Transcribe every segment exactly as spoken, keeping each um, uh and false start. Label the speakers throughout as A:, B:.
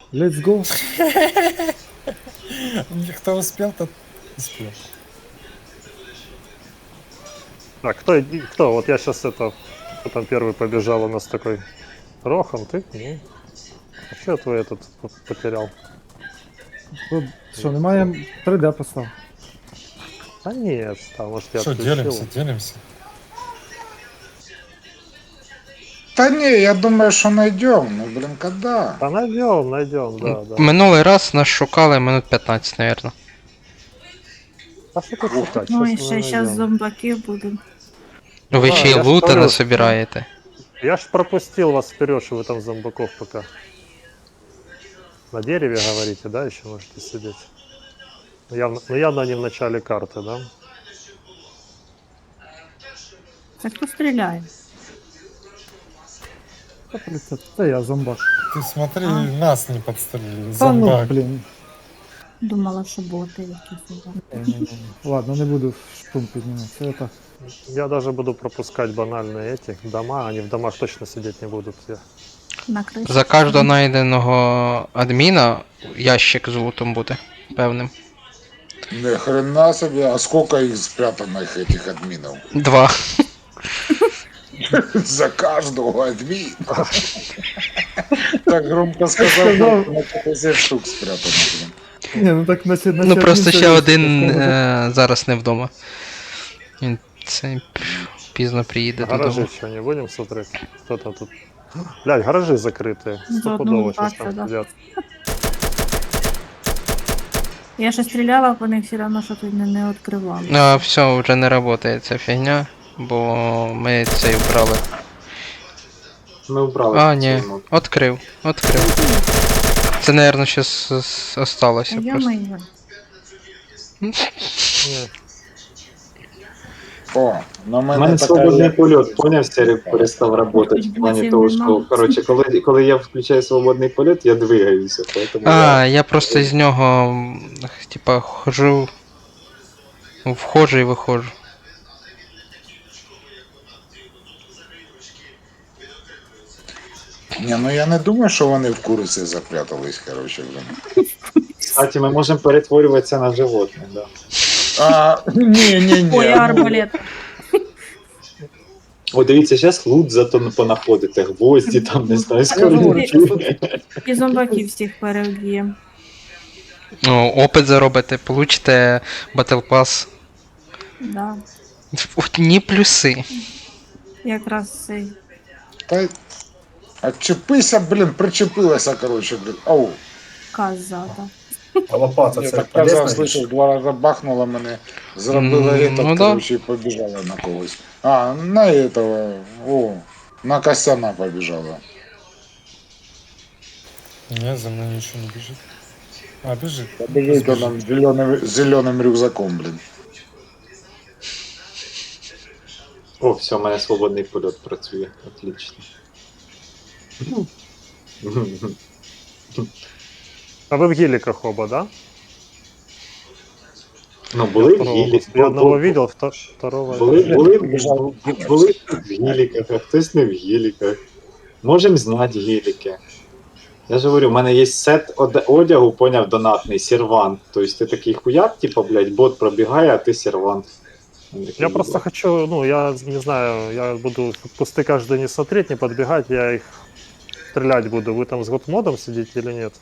A: Let's go.
B: Кто успел, тот успел.
C: Так, кто, иди- кто? Вот я сейчас это... Кто там первый побежал у нас такой? Рохан, ты? Ну. А что твой этот п- потерял?
A: Тут що, немає три дэ постав.
C: А нет, там, может, я
B: Что,
C: отключил.
B: делимся, делимся.
D: Да не, я думаю, что найдем. Ну, блин, когда?
C: А найдем, найдем, да, да.
E: Минулий раз нас шукали минут п'ятнадцять, наверное.
C: А что тут шукать?
F: Ну і
C: Щас мы
F: ще зараз
C: найдем.
F: зомбаків буде.
E: Ви
C: А,
E: ще й
C: я ж
E: лута
C: говорю,
E: не собираєте.
C: Я ж пропустил вас вперед, что вы там зомбаков пока. На дереве говорите, да, еще можете сидеть. Ну, явно, ну, явно не в начале карты, да?
F: Це хто стріляє?
A: Та тридцять. Це я зомбак.
B: Ты смотри,
F: А.
B: нас не подстрелили.
A: Та ну,
B: Зомбак.
A: блін.
F: Думала, що боти якісь.
A: Ні-ні-ні. Ладно, не буду шум піднімати. Це так.
C: Я даже буду пропускать банальные эти дома, они в домах точно сидеть не будут. Я...
F: На криші.
E: За кожного знайденого адміна ящик з лутом буде певним.
D: Ни хрена себе. А сколько их спрятанных, этих админов?
E: Два.
D: За каждого админа. Так громко сказал, на пятьдесят штук спрятано, блин.
A: Ні, ну так наче...
E: Ну просто ще один е, зараз не вдома. Він це пізно приїде
C: Гаражи
E: додому.
C: что, не будем смотреть? Кто там тут? Блядь, гаражи закрытые.
F: За
C: Стопудово
F: одну
C: сейчас
F: бачу,
C: там
F: да.
C: сидят.
F: Я ще стріляла, по них все одно, що тут не, не відкривали.
E: А, все, вже не працює ця фігня, бо ми цей вбрали.
G: Ми вбрали.
E: А,
G: цю
E: ні,
G: мод.
E: відкрив, відкрив. Це, наверное, щось осталося
F: Я
E: просто.
F: маю.
C: Не,
D: О, на
G: У
D: мене
G: мене
D: така
G: свободний
D: є.
G: польот, поняв, Серік перестав працювати. В плані того, що, коротше, коли, коли я включаю свободний польот, я двигаюся, поэтому
E: А,
G: я...
E: я просто з нього, м, типа, хожу, входжу і виходжу.
D: Ні, ну я не думаю, що вони в куриці запрятались, короче, блин.
G: Кстати, ми можемо перетворюватися на животних, да.
D: А, ні, ні, ні.
F: Ой, арбалет.
G: О, дивіться, зараз лут зато понаходите, гвозді там, не знаю, скорінки.
F: І зомбаків всіх переб'ємо.
E: Ну, опит заробите, получите Battle Pass.
F: Да.
E: Одні плюси.
F: Якраз цей.
D: Та... Отчепися, блін, причепилася, короче, блін. Ау.
F: Коза, да.
H: А лопата
D: Я
H: це
D: так казав,
H: полезна річ?
D: слышав, два рази бахнула мене, зробила
E: М,
D: этот,
E: ну да.
D: короче, і побіжала на когось. А, на этого, о, на Костяна побіжала.
B: Не, за мной ничего не бежит. А, бежит.
D: Побіжить вона зеленим, зеленим рюкзаком, блін.
G: О, все, у мене свободний польот працює, отлично.
C: А вы в геликах оба, да?
G: Ну, були в
C: Второго-
G: гілі.
C: Я одного видел, вто- второго...
G: Були, були,
D: Побіжав.
G: були в гіліках, а хтось не в гіліках. Можем знати гіліки. Я ж говорю, у мене є сет оде- одягу, поняв, донатний, сервант. Тобто ти такий хуяк, типу, блядь, бот пробігає, а ти сервант.
C: Я просто хочу, ну, я не знаю, я буду кусты каждый не смотреть, не подбегать, я их стрелять буду. Вы там с готмодом сидите или нет?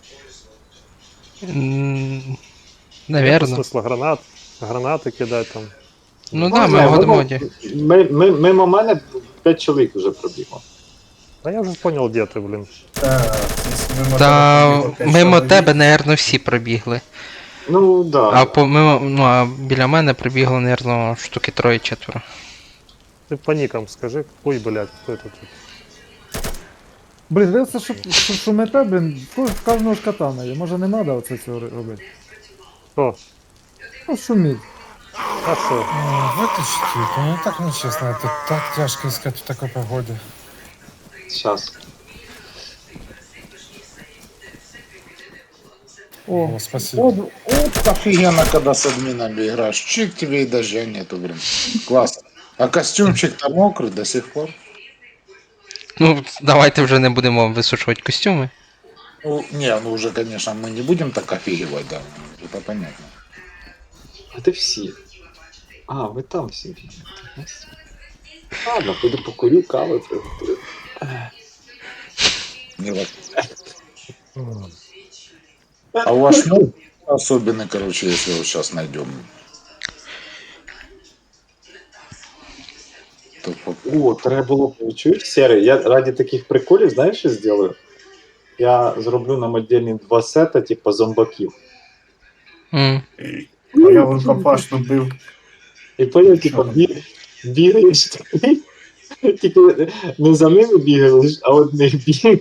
E: М,
C: Нет
E: Наверно.
C: смысла гранат, гранаты кидать там.
E: Ну да, ми в годмоді.
G: Ми, ми, мимо мене п'ять чоловік вже пробігло.
C: А я уже понял, где ты, блин.
H: Так, мимо
E: Та
H: тебе пробігло п'ять
E: мимо
H: чоловік.
E: тебе, наверно, всі пробігли.
G: Ну, да.
E: А по мимо, ну а біля мене прибігло, наверно, штуки троє-четверо.
C: Ты по никам скажи. Ой, блядь, кто это тут?
A: Блін, ви це що, що шумите, блін, в кожного ж катана є. Може не треба оце цього робити?
C: Кто?
A: Ну, шуміть.
C: А что?
B: Ну, вытащите их, ну так нечестно, это так тяжко искать в такой погоде.
G: Сейчас.
A: О,
B: О, спасибо.
D: Вот, вот офигенно, когда с админами играешь. Чик, тебе и дождя нету, блин. Классно. А костюмчик-то мокрый до сих пор.
E: Ну, давайте вже не будемо висушувати костюми.
D: Ну, не, ну уже, конечно, мы не будем так офигевать, да. Это понятно.
G: А де всі? А, ви там всі бігаєте. Ось. Ладно, піду покурю, кави приготую.
D: Не вот. А у вас ну, особенный, короче, если вот сейчас найдем. То по-
G: О, треба було б, чуєш, Серий, я раді таких приколів, знаєш, що зроблю? Я зроблю нам отдельні два сета, типу зомбаків.
E: М.
H: А я вон папашну бив.
G: І потім, типу, бі... бігаєш такий, тільки не за ними бігаєш, а одних бігаєш.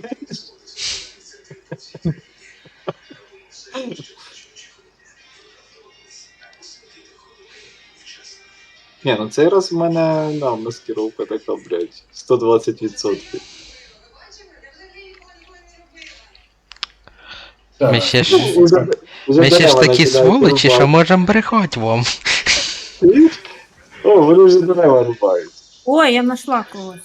G: Ні, ну цей раз в мене, да, маскировка така, блядь, сто двадцять відсотків.
E: Ми ще ж,
G: Ну, уже, уже
E: ми ще ж
G: дерева
E: такі
G: починають
E: сволочі, що
G: рубати.
E: можемо брехати вам.
G: О, вони вже дерева рубають.
F: Ой, я знайшла когось.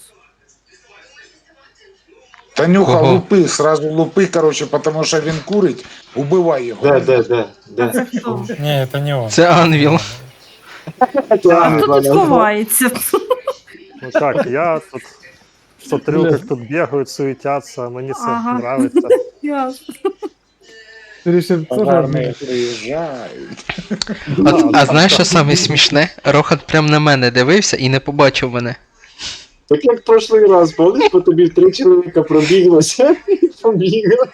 D: Танюха,
E: Ого.
D: лупи, сразу лупи, короче, потому что він курить, убивай його.
G: Де, де, де,
F: А
G: де?
F: це хто?
B: Не, это не он.
E: Це Анвіл.
F: А хто тут ховається?
C: Ну как, я тут смотрю, как тут бегают, суетятся, мне це
F: Ага.
C: нравится.
F: Ясно.
A: Ти рішив теж
D: Пожарные приїжджають.
E: От, а знаєш, що саме смішне? Рохан прям на мене дивився і не побачив мене.
G: Так як прошлий раз, помниш, по тобі три чоловіка пробіглося і побігли.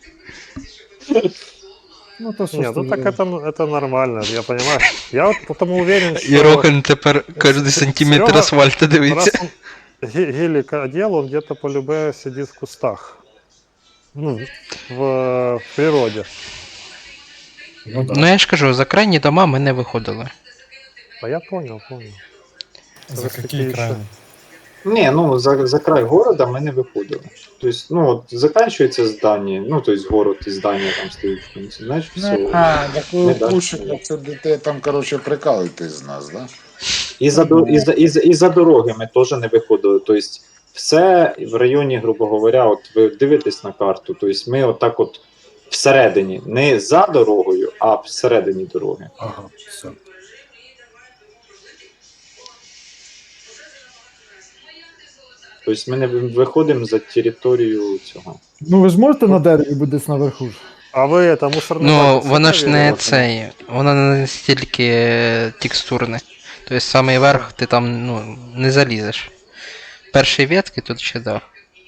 A: Ну то що
C: Не,
A: ж
C: ну
A: ти
C: так
A: зробиш?
C: это, это нормально, я понимаю. Я вот потому уверен,
E: І
C: что
E: Рохан тепер кожен сантиметр
C: Серега-
E: асфальту
C: раз
E: дивиться.
C: он ге- гелик одел, он где-то по любе сидит в кустах. Ну, в, в природе.
H: Ну да.
E: Ну я ж кажу, за крайні дома ми не виходили.
C: А я понял, понял.
B: За
C: Вот такие
B: какие
C: еще.
B: крайни?
G: Ні, ну за, за край города ми не виходили. Тобто, ну от заканчується здання, ну тобто город і здання там стоїть в кінці, знаєш, все.
D: А, так ви
G: Не даш
D: пушите,
G: мені.
D: це дітей там, короче, прикалуєтесь з нас, да?
G: І за, до- і, за, і, за, і за дороги ми теж не виходили. Тобто, все в районі, грубо говоря, от ви дивитесь на карту, тобто ми отак от всередині, не за дорогою, а всередині дороги.
H: Ага, все.
G: Тобто ми не виходимо за територію цього.
A: Ну ви ж можете на дереві бути десь наверху ж?
C: А ви это мусорный
E: Ну,
C: бак
E: воно ж не
C: оставили?
E: цей, воно не настільки е, текстурне. Тобто самий верх ти там ну, не залізеш. Перші ветки тут ще да.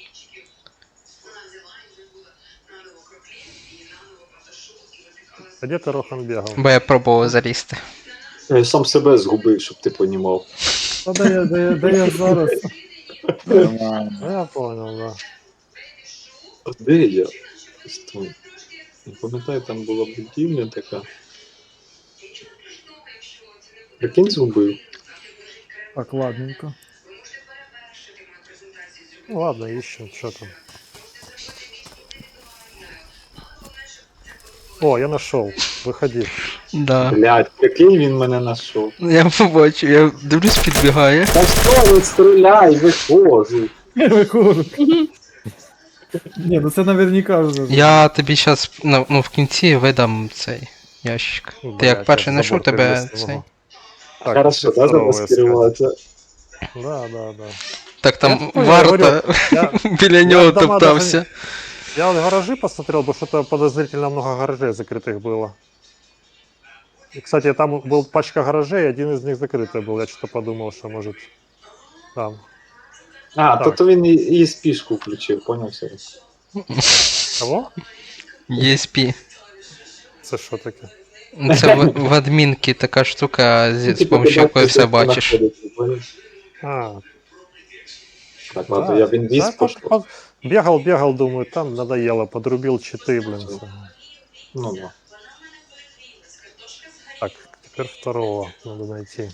C: А где ты, Рохан, бегал?
E: Бо я пробував залізти.
G: Я сам себе згубив, щоб ти понімав.
A: Та де я, де я, де я зараз?
D: Нормально.
C: Ну, я понял, да.
G: Де я? Стой. Не пам'ятаю, там була будівля така. Прикинь, згубив.
A: Так, ладненько.
C: Ну ладно, ищем, что там. О, я нашел. Выходи.
E: Да.
G: Блядь, прикинь, він мене знайшов.
E: Я побачу, я дивлюсь, підбігає.
G: Та що, не стріляй, виходжу.
A: Я виходжу. Ні, ну це наверняка вже.
E: Я тобі зараз ну, ну, в кінці видам цей ящик. Ти
C: Блядь,
E: як перший
C: я
E: знайшов,
C: забор
E: тебе
C: перелез не
E: цей.
C: могу. Так,
G: Хорошо, да,
C: второго
G: замаскироваться.
C: искать. Да, да, да.
E: Так там
C: Я понял, я
E: варто
C: говорю, я-
E: біля
C: я
E: нього
C: дома
E: топтався.
C: Я вот гаражи посмотрел, потому что-то подозрительно много гаражей закрытых было. И, кстати, там был пачка гаражей, один из них закрытый был. Я что-то подумал, что может там.
G: А,
C: Так.
G: то то він і, і спішку включив, поняв все.
C: Кого?
E: і ес пі.
C: Це що таке?
E: Це в, в адмінці така штука, з,
G: Ну,
E: з
G: типу,
E: помощью
G: ти
E: якої
G: бачиш,
E: все
G: як вона
E: бачиш.
G: ходить, поняв?
C: А,
G: Так, ладно, я в інвіз
C: да,
G: пошел.
C: по- Бегал, бегал, думаю, там надоело, подрубил читы, блин.
G: Всё.
C: всё.
G: Ну, да.
C: Так, теперь второго надо найти.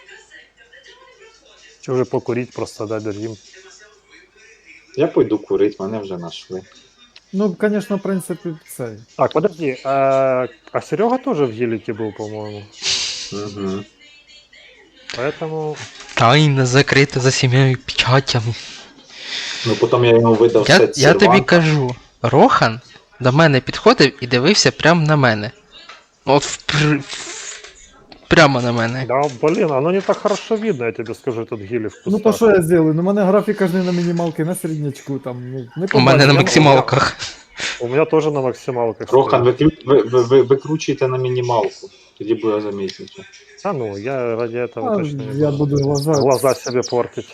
C: Че уже покурить, просто дать дадим.
G: Я пойду курить, мене вже знайшли.
A: Ну, звісно, в принципі, цей.
C: Так, подожди, а, а Серега тоже в гелике был, по-моему.
G: Угу.
C: Поэтому
E: Тайна закрита за сім'єю печатями.
G: Ну, потім я йому видав
E: Я,
G: сет
E: я тобі
G: серванта.
E: кажу, Рохан до мене підходив і дивився прямо на мене. От впр... прямо на мене.
C: Да, блин, оно не так хорошо видно, я тебе скажу, этот гели в кустах.
A: Ну то що я зроблю? Ну, у мене графіка ж не на мінімалки, на середнячку там. Ну, не
E: У мене на
A: побачиш.
E: максималках.
C: У меня тоже на максималках.
G: Рохан,
C: стоит.
G: викру... ви, ви, ви, викручуйте на мінімалку. Тоді буде замітніше.
C: А ну, я ради этого
A: А,
C: точно не
A: я
C: буду
A: буду глаза.
C: глаза себе портить.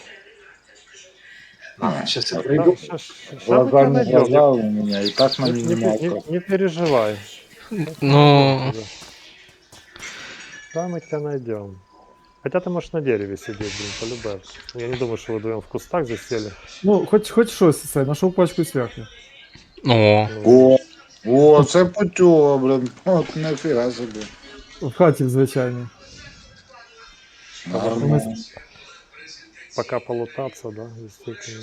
G: А, щас я
C: Да,
G: прийду.
C: щас- щас мы
D: Глаза
C: тебя
D: не
C: найдем.
D: глаза у меня, и так на
C: Не, не- не-
D: минималках.
C: не переживай.
E: Ну,
C: Да, мы тебя найдем. Хотя ты можешь на дереве сидеть, блин, полюбая. Я не думаю, что вы вдвоем в кустах засели.
A: Ну, хоч, хоч щось це, знайшов пачку свяхи.
E: о,
D: О, о, це путьо, блин. От нафіга собі.
A: В хаті, звичайно.
D: Нормально.
C: Пока полутаться, да, действительно.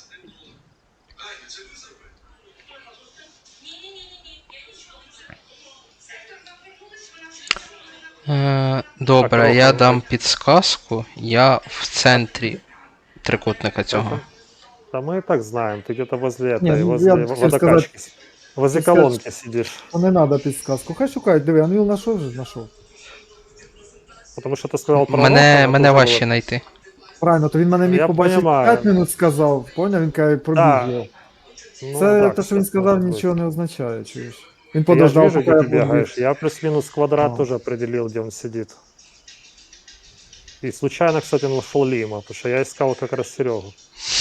E: Е, добре,
C: Так,
E: я
C: Рохан,
E: дам підсказку. Я в центрі трикутника цього.
C: Да мы и так знаем, ты где-то возле этой,
A: Не, ну,
C: возле
A: я
C: во-
A: хотел
C: водокачки. с- Возле
A: хотел
C: колонки сидишь.
A: Ну не треба підсказку. Хай шукають, диви, Анвіл знайшов же, знайшов.
C: Потому что ты сказал про
E: Мене,
C: Рохана,
E: мене
C: тоже
E: важче
C: вот-
E: знайти.
A: Правильно, то він мене міг
C: Я
A: побачити
C: понімаю.
A: п'ять минут сказав, поняв, він каже, пробіг
C: Да.
A: його.
C: Ну
A: Це
C: да,
A: те, що він
C: кстати,
A: сказав,
C: может быть.
A: нічого не означає, чуєш. Він
C: Я же
A: подождав,
C: вижу,
A: поки
C: где
A: я
C: ты
A: пробіг.
C: бегаешь. Я плюс-минус квадрат
A: А.
C: тоже определил, где он сидит. И случайно, кстати, нашел Лима, потому что я искал как раз Серегу.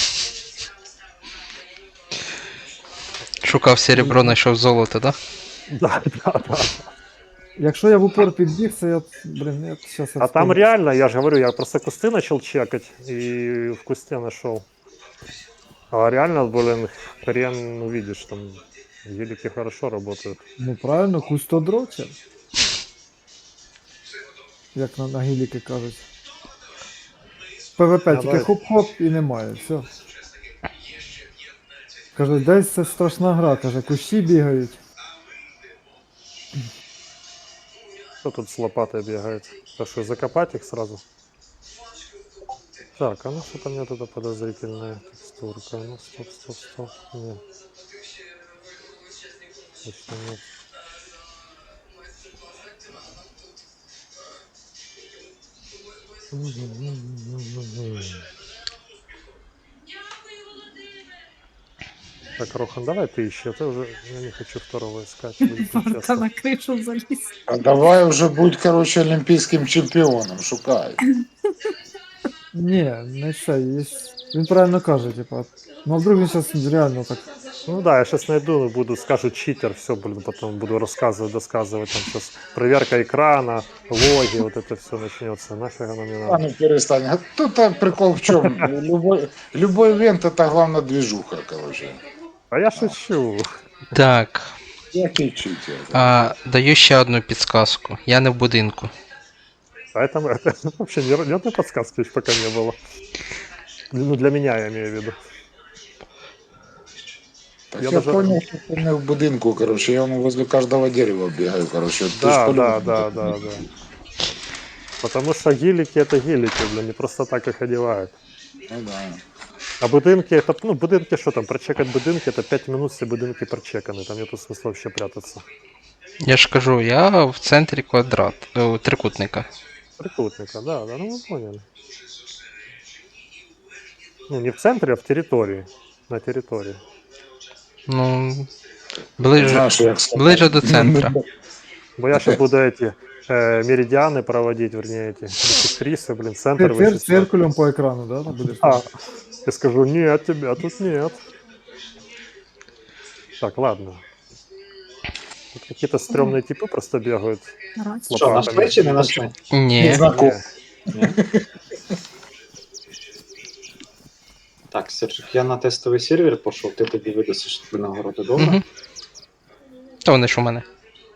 E: Шукав серебро, знайшов золото, да?
C: Да, да, да.
A: Якщо я в упор підбіг, це я, блін, я щас
C: А там реально, я же говорю, я просто кусты начал чекать и в кусте нашел. А реально, блин, хрен увидишь, там велики хорошо работают.
A: Ну правильно, кустодрочер. Як на, на гіліки кажуть. ПВП, тільки
C: Давай.
A: хоп-хоп і немає, все. Каже, десь це страшна гра, каже, кущі бігають.
C: Кто тут с лопатой бегает? Так что закопать их сразу? Так, а ну что-то у меня тут подозрительная текстурка. Ну стоп, стоп, стоп. Нет. Точно нет. Так, Рохан, давай ты ищи, а то уже я не хочу второго искать. будет
F: Варта
C: нечестно.
F: на кришу заліз.
D: А давай уже будь, короче, олімпійським чемпіоном, шукай.
A: Ні, не це, є... він правильно каже, типа. Ну а вдруг він зараз реально так.
C: Ну да, я сейчас найду, буду, скажу читер, все, блин, потом буду рассказывать, досказывать, там сейчас проверка экрана, логи, вот это все начнется, нафиг оно мне
D: А
C: надо.
D: ну перестань. А тут а, прикол в чем? Любой, любой ивент это главная движуха, короче.
C: А я шучу.
E: Так.
D: Який читер?
E: А, даю ще одну підсказку. Я не в будинку.
C: Поэтому это вообще ни, ни одной подсказки еще пока не было. Ну, для меня я имею в виду.
D: Так
C: Я
D: я,
C: даже-
D: понял, что ты не в будинку, короче, я вон возле каждого дерева бегаю, короче. Ты ж
C: Да,
D: по-любому
C: да, да,
D: так
C: да,
D: не-
C: да. Потому что гелики это гелики, блин, не просто так их одевают.
D: Ну да.
C: А будинки, это, ну, будинки, что там, прочекать будинки, это пять минут, все будинки прочеканы, там нету смысла вообще прятаться.
E: Я ж кажу, я в центрі квадрат, о, трикутника.
C: Трикутника, да, да, ну вы поняли. Ну, не в центре, а в территории. На территории.
E: Ну, ближе,
D: Знаешь, як сказати.
E: ближе до центра.
C: Бо я сейчас буду эти э, меридианы проводить, вернее, эти бисектрисы, блин, центр
A: Ти цир,
C: вычислять.
A: циркулем по екрану, да? там будеш?
C: А, я скажу, нет, тебя тут нет. Так, ладно. Тут какие-то стрёмные типы просто бегают.
F: Раз.
G: Що, нашли чи не нашли?
E: Ні.
D: Незнаком.
C: Не.
G: Так, Сержик, я на тестовий сервер пішов, ти тоді видасиш тобі нагороди, добре?
E: Угу. Та вони ж у мене.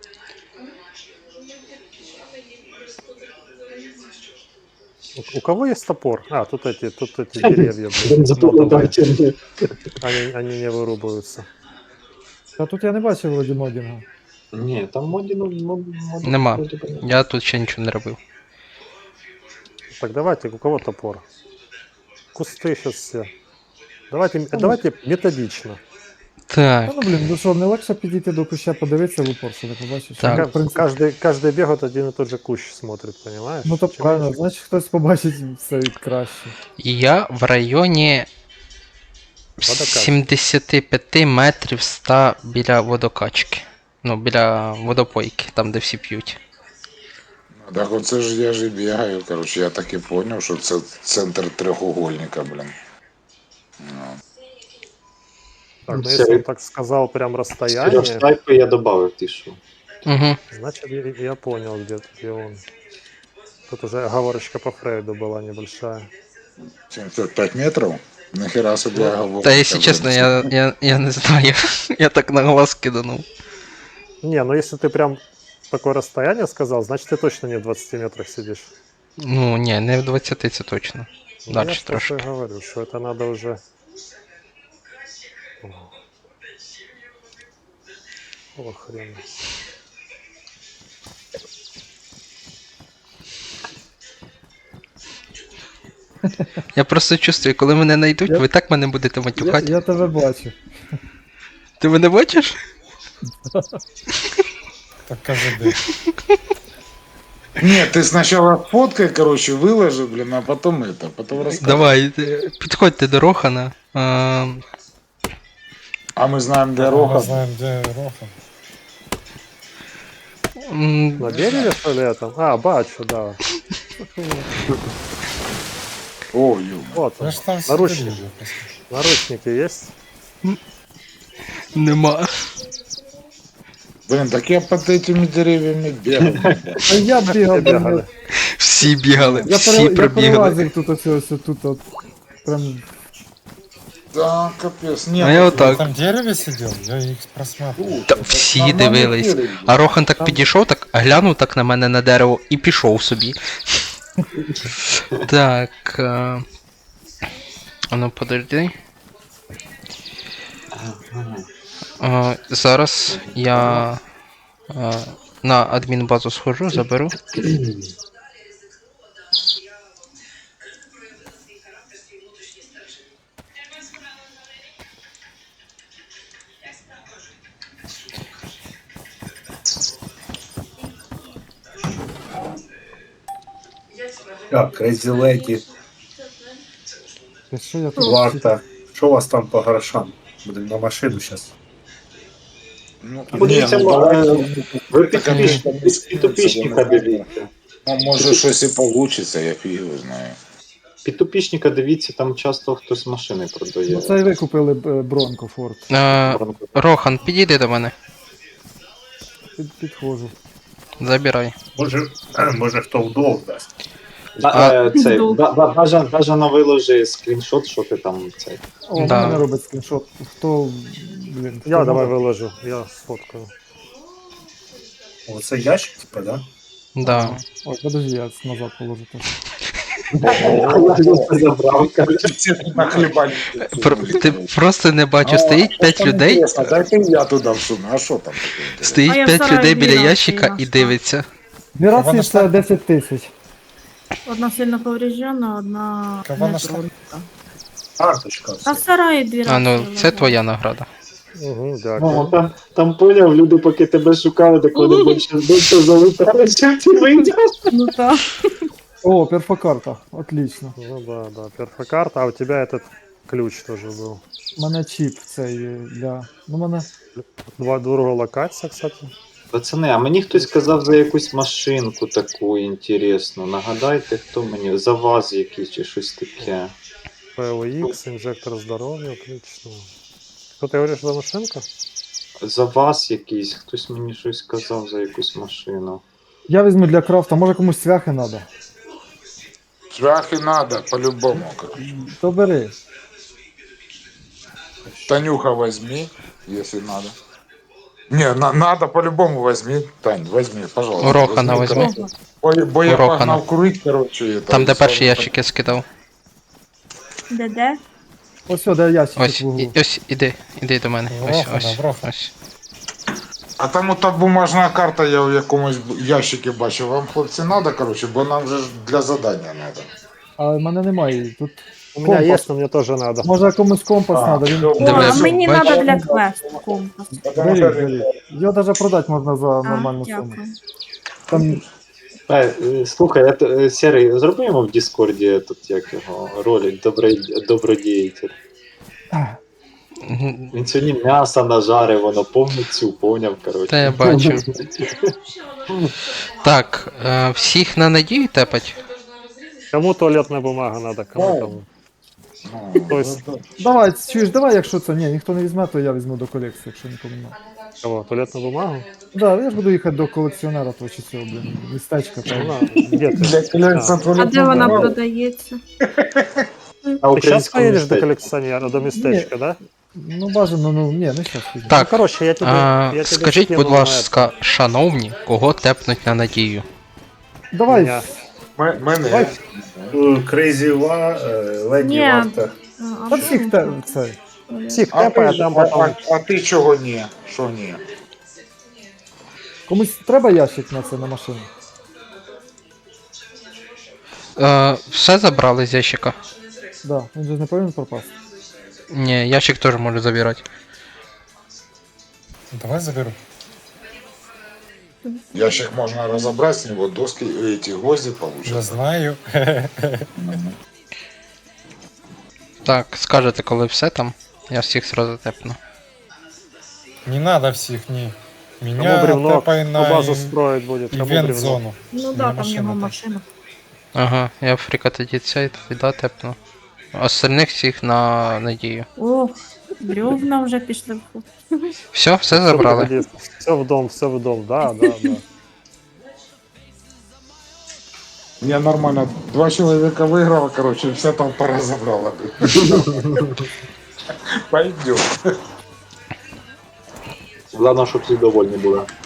C: У- У кого есть топор? А, тут эти, тут эти деревья, блин, модовые. Они, они не вырубаются.
A: А тут я не бачив вроді модінга.
G: Ні, там моді, ну, мод, мод,
E: Нема.
G: вроді би, ні.
E: Я тут ще нічого не робив.
C: Так, давайте, у кого топор? Кусты сейчас все. Давайте, давайте методично.
E: Так.
A: Та ну блін, ну що, не легше підійти до куща, подивитися в упор, що ти побачиш.
E: Так.
A: Ну, в
C: Ка-
A: принципі,
C: Каждый, каждый бегает один и тот же кущ смотрит, понимаешь?
A: ну то
C: Чем
A: правильно,
C: меньше-
A: значить хтось побачить все краще.
E: Я в районі
C: Водокачки.
E: сімдесят п'ять метрів ста біля водокачки. Ну, біля водопойки, там де всі п'ють.
D: Так оце ж я ж і бігаю, коротше, я так і поняв, що це центр трьохугольника, блін. Ну.
C: Так, ну
G: Серый-
C: если он так сказал прям
G: Сереж,
C: расстояние,
G: снайпу я добавив, ти що?
E: Угу.
C: значит я, я понял, где, где он. Тут уже оговорочка по Фрейду была небольшая.
D: сімдесят п'ять метрів? Нахера собі я говорю.
E: Та якщо чесно, я, я, я не знаю. Я так на глаз киданув.
C: Не, ну если ты прям такое расстояние сказал, значит ты точно не в двадцати метрах сидишь.
E: Ну, ні, не в двадцяти це точно.
C: Ну,
E: Дальше
C: я ж про что
E: трошки.
C: и говорю, что это надо уже... О, хрен.
E: Я просто чувствую, коли мене знайдуть,
A: Я-
E: ви так мене будете
A: Я,
E: матюхати.
A: я тебе бачу.
E: Ти мене бачиш?
B: Так кажи де.
D: Ні, ти спочатку фоткай, коротше, виложи, блін, а потім это, потім розкажи.
E: Давай, ти- підходьте до Рохана. А,
D: А ми знаємо, де
B: Ми
D: Роха.
B: знаємо, де Рохан.
E: м,
C: На береге, что ли, это? А, бачу, да.
D: О, ю.
C: Вот
B: Я
C: он.
B: ж там
C: Наручники.
B: сидів.
C: Наручники есть?
E: Нема.
D: Блін, так я під цими дерев'ями бігав.
A: А я бігав,
C: Все
A: блін,
C: бегали.
E: Всі бігали,
A: я,
E: всі
A: пере, я
E: пробігали.
A: перелазив тут ось ось тут от. Прям
D: Да, капець. Ні,
E: А я
D: ну,
E: отак.
B: Ти там в дереві сидів? Я їх просматривав.
E: Та
D: це
E: всі
D: нормальний
E: дивились.
D: дерево.
E: А Рохан так
A: Там-
E: підійшов, так глянув так на мене на дерево і пішов собі. Так. А... а ну подожди. А, зараз я а, на адмінбазу схожу, заберу.
H: Так, Crazy Lady,
A: Ти що я тут?
H: Варта. Що у вас там по грошам? Будемо на машину зараз.
D: Ну,
G: Подивіться,
D: ні, ну, давай.
G: ви
D: Така
G: підписчика,
D: між-
G: підписчика дивіться.
D: Ну, може щось і получиться, я фіг його знаю.
G: Підписчика дивіться, там часто хтось машини продає.
A: Ну, це і ви купили е, Бронко Форд.
E: А, Рохан, підійди до мене.
A: Під, підходжу.
E: Забирай.
H: Може, може хто вдов дасть.
G: А, е, цей,
F: Вдруг.
G: ба- ба- бажано, бажано виложи скріншот, що ти там цей.
A: О,
E: Да.
A: да. мене робить скріншот. Хто, блін, хто
C: Я давай
A: може?
C: выложу, я сфоткаю.
H: Оце ящик, типа, да?
E: Да.
A: Ой, подожди, я назад положу теж.
G: Забрав, коротше.
E: Пр- ти просто не бачу, стоїть п'ять людей,
D: Дайте я туди всуну, а що там таке? інтересне?
E: стоїть
F: А я в
E: п'ять
F: сараї
E: людей біля
F: біла,
E: ящика
F: біла.
E: і дивиться.
A: Дві рації
B: Вона
A: це
B: ж-
A: десять тисяч.
F: Одна сильно повреждена, одна
B: Кого
F: не
B: нашла?
F: тронута.
H: Карточка.
F: А в сараї дві
E: А ну,
F: рації
E: це
F: лежать.
E: твоя награда.
C: Угу,
G: О,
C: дякую.
G: там, там поняв, люди, поки тебе шукали, так вони більше більше залутали, чим ти вийдеш.
F: Ну так.
A: О, перфокарта. Отлично.
C: Ну да, да, перфокарта, а у тебя этот ключ тоже был.
A: У мене чіп цей е, для. Ну, мене.
C: Два другого локация, кстати.
G: Пацани, а мені хтось сказав за якусь машинку таку інтересну. Нагадайте, хто мені? За вас якийсь чи щось таке.
C: пэ эл икс, инжектор здоровья, отлично. Что ты говоришь за машинку?
G: За вас якийсь, хтось мені щось сказав за якусь машину.
A: Я візьму для крафта, може комусь цвяхи треба.
D: Шляхи надо, по-любому. короче.
A: То бери.
D: Танюха возьми, если надо. Не, на, надо по-любому возьми. Тань, возьми, пожалуйста.
E: У Рохана
D: возьми,
E: возьми.
D: короче. Бо, бо я
E: У Рохана.
D: погнав курить, короче. Это,
E: Там,
D: и
E: де
D: всё.
E: перші ящики скидав.
F: Де де?
A: Ось сюди ящик
E: Ось,
A: в углу.
E: і- ось, іди, іди до мене. Ось,
B: Рохана,
E: ось,
B: Рохана.
E: ось.
D: А там ота бумажна карта, я в якомусь ящикі бачив. Вам, хлопці, надо, короче, бо нам же ж для задання надо.
A: А в мене немає її. Тут
C: У меня
A: Компас.
C: есть, но мне тоже надо.
A: Може комусь компас
H: А,
A: надо, він
H: всё.
F: О,
E: Диви,
F: а мені
E: бач-
F: треба для квесту компас.
H: Потому что
A: беріть, беріть. Його навіть продати можна за
F: А,
A: нормальну суму.
F: дякую.
A: Там
G: Е, е, Слухай, я, т- е, Серий, зроби йому в Діскорді тут як його ролик добро- добродіятель.
E: Мгм.
G: Він сьогодні м'ясо нажарив, воно повністю поняв, коротше.
E: Та я бачу. Так, е, всіх на надію тепать?
C: Кому туалетная бумага надо, кому кому.
D: Ну,
C: То есть,
A: давай, чуєш, давай, якщо це. Ні, ніхто не візьме, то я візьму до колекції, якщо нікому не надо.
C: кого? Туалетную бумагу?
A: Да, я ж буду їхати до колекціонера того чи цього, блін, містечка.
C: Ну,
A: Там.
C: на, где ты?
D: Для колекції
C: А.
F: А де вона продається?
G: А
C: Ты сейчас
G: українському
C: поедешь до
G: містечку?
C: коллекционера, до местечка, да?
A: Ну, бажано, ну, ні, не щас.
C: Ну,
E: Так,
C: короче, я тебе,
E: а,
C: я тебе
E: скажіть,
C: скину
E: будь
C: на
E: ласка, шановні, кого тепнуть на надію?
A: Давай,
C: Меня.
D: М- мене.
C: Давай.
H: Крейзі Ва, е, Леді
F: Ні.
H: Варта.
F: А,
A: та
F: а
A: всіх
F: що?
A: те, це.
C: Всех
D: А
C: тепай,
D: ти,
C: а там
D: а,
C: потом...
D: а, а ти чого ні? Що ні?
A: Комусь треба ящик на це, на машину?
E: Е, все забрали з ящика?
A: Да, він же не повинен пропасти.
E: Ні, ящик теж можу забирати.
B: Давай заберу.
D: Ящик можна розібрати, з нього доски, эти гвозди
B: Я
D: получаться.
B: знаю.
E: Так, скажете, коли все там, я всіх сразу тепну.
B: Не надо всіх, ні.
C: Кому
B: Меня
C: бревно,
B: тепай
C: кто
B: на
C: базу строить будет, кому бревно.
B: івент-зону.
F: Ну
B: Мені
F: да, там
B: машина
F: його
B: так.
F: машина.
E: Ага, я фріка тоді цей, тоді да, тепну. Остальних всіх на надію.
F: О, бревна вже пішли в ход.
E: Все, все забрали.
C: Все в дом, все в дом, да, да, да.
D: Я нормально, два человека выиграла, короче, вся толпа разобрала. Пойдем.
G: Головне, щоб всі довольні були.